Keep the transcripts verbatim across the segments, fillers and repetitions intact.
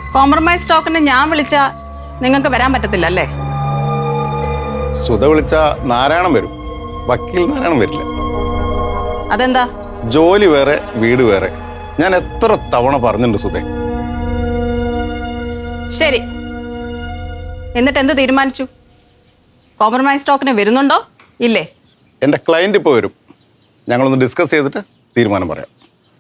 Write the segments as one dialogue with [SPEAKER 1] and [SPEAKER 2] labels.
[SPEAKER 1] Compromise ടോക്കിന് ഞാൻ വിളിച്ചാ നിങ്ങൾക്ക് വരാൻ പറ്റത്തില്ല അല്ലേ?
[SPEAKER 2] സുധ വിളിച്ച നാരായണൻ വരും, വക്കീൽ നാരായണൻ വരില്ല.
[SPEAKER 1] അതെന്താ?
[SPEAKER 2] ജോലി വേറെ വീട് വേറെ. ഞാൻ എത്ര തവണ പറഞ്ഞിട്ടുണ്ട് സുധേ.
[SPEAKER 1] ശരി, എന്നിട്ട് എന്ത് തീരുമാനിച്ചു? കോംപ്രമൈസ് ടോക്കിന് വരുന്നുണ്ടോ ഇല്ലേ?
[SPEAKER 2] എൻ്റെ ക്ലയന്റ് ഇപ്പോൾ വരും, ഞങ്ങളൊന്ന് ഡിസ്കസ് ചെയ്തിട്ട് തീരുമാനം പറയാം.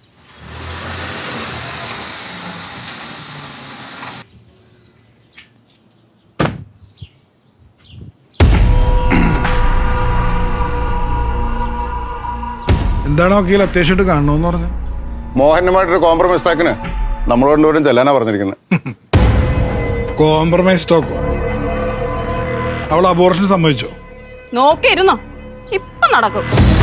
[SPEAKER 3] എന്താണ് വക്കീൽ അത്യാവശ്യമായിട്ട് കാണണമെന്ന് പറഞ്ഞു?
[SPEAKER 2] മോഹനുമായിട്ടൊരു കോംപ്രമൈസ് ടോക്കിന് നമ്മൾ കൊണ്ടുവരും ചെല്ലാനാ പറഞ്ഞിരിക്കുന്നത്.
[SPEAKER 3] കോംപ്രമൈസ് ടോക്കോ? അവൾ അബോർഷൻ സമ്മതിച്ചോ?
[SPEAKER 1] നോക്കിയിരുന്നോ, ഇപ്പൊ നടക്കും.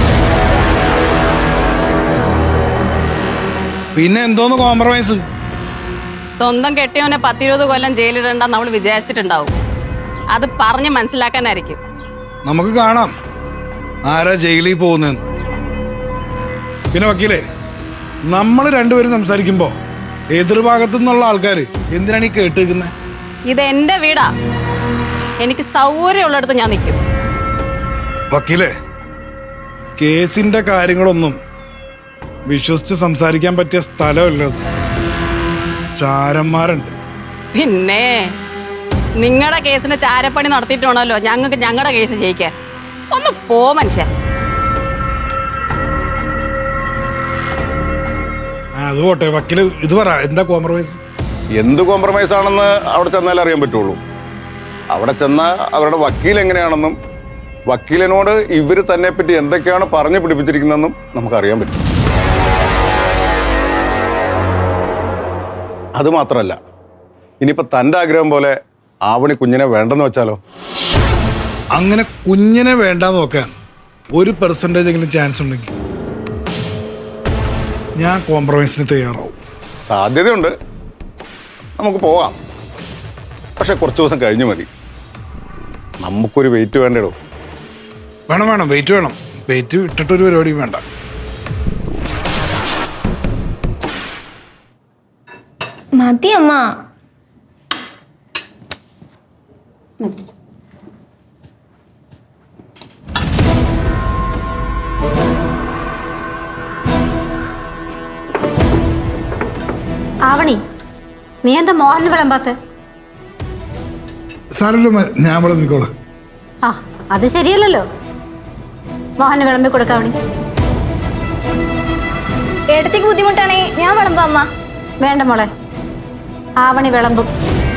[SPEAKER 3] പിന്നെ എന്തോന്ന് കോംപ്രമൈസ്?
[SPEAKER 1] സ്വന്തം കെട്ടിയവനെ പത്തിരുപത് കൊല്ലം ജയിലിടണ്ടെന്ന് അവൾ വിചാരിച്ചിട്ടുണ്ടാവും. അത് പറഞ്ഞ് മനസ്സിലാക്കാനായിരിക്കും.
[SPEAKER 3] നമുക്ക് കാണാം ആരാ ജയിലിൽ പോകുന്നതെന്ന്. പിന്നെ വക്കീലേ, നമ്മൾ രണ്ടുപേരും സംസാരിക്കുമ്പോ എതിർഭാഗത്തു നിന്നുള്ള ആൾക്കാർ എന്തിനാണ് ഈ കേട്ട് നിൽക്കുന്നത്?
[SPEAKER 1] ഇത് എന്റെ വീടാ, എനിക്ക് സൗകര്യമുള്ളിടത്ത് ഞാൻ നിൽക്കും.
[SPEAKER 3] വക്കീലേ, കേസിന്റെ കാര്യങ്ങളൊന്നും വിശ്വസിച്ച് സംസാരിക്കാൻ പറ്റിയ സ്ഥലമല്ലത്. ചാരന്മാരുണ്ട്.
[SPEAKER 1] പിന്നെ നിങ്ങളുടെ കേസിന് ചാരപ്പണി നടത്തിയിട്ട് വേണമല്ലോ ഞങ്ങൾക്ക് ഞങ്ങളുടെ കേസ് ജയിക്കാൻ. ഒന്ന് പോ മനുഷ്യ.
[SPEAKER 3] അത് പോട്ടെ വക്കീല്, ഇത് പറ, എന്താ കോംപ്രമൈസ്?
[SPEAKER 2] എന്ത് കോംപ്രമൈസ് ആണെന്ന് അവിടെ ചെന്നാലേ അറിയാൻ പറ്റുള്ളൂ. അവിടെ ചെന്നാൽ അവരുടെ വക്കീൽ എങ്ങനെയാണെന്നും വക്കീലിനോട് ഇവർ തന്നെ പറ്റി എന്തൊക്കെയാണ് പറഞ്ഞു പിടിപ്പിച്ചിരിക്കുന്നതെന്നും നമുക്കറിയാൻ പറ്റും. അതുമാത്രമല്ല, ഇനിയിപ്പോൾ തൻ്റെ ആഗ്രഹം പോലെ ആവണി കുഞ്ഞിനെ വേണ്ടെന്ന് വെച്ചാലോ?
[SPEAKER 3] അങ്ങനെ കുഞ്ഞിനെ വേണ്ടാന്ന് നോക്കാൻ ഒരു പെർസെൻറ്റേജ് എങ്കിലും ചാൻസ് ഉണ്ടെങ്കിൽ ഞാൻ കോംപ്രമൈസിന് തയ്യാറാവും.
[SPEAKER 2] സാധ്യതയുണ്ട്, നമുക്ക് പോകാം. പക്ഷെ കുറച്ച് ദിവസം കഴിഞ്ഞു മതി. നമുക്കൊരു വെയിറ്റ് വേണ്ടേടോ.
[SPEAKER 3] വേണം വേണം വെയിറ്റ് വേണം. വെയിറ്റ് ഇട്ടിട്ടൊരു പരിപാടിയും വേണ്ട.
[SPEAKER 4] മതി അമ്മ.
[SPEAKER 5] ആവണി, നീ എന്താ മോഹന് വിളമ്പാത്ത?
[SPEAKER 3] സാരല്ലോ, ഞാൻ ഇവിടെ നിൽക്കോളാം.
[SPEAKER 5] ആ, അത് ശരിയല്ലല്ലോ. മോഹന് വിളമ്പി കൊടുക്കാവണി.
[SPEAKER 4] ഏട്ടത്തേക്ക് ബുദ്ധിമുട്ടാണേ ഞാൻ വിളമ്പാ അമ്മ.
[SPEAKER 5] വേണ്ട മോളെ, ആവണി വിളമ്പും.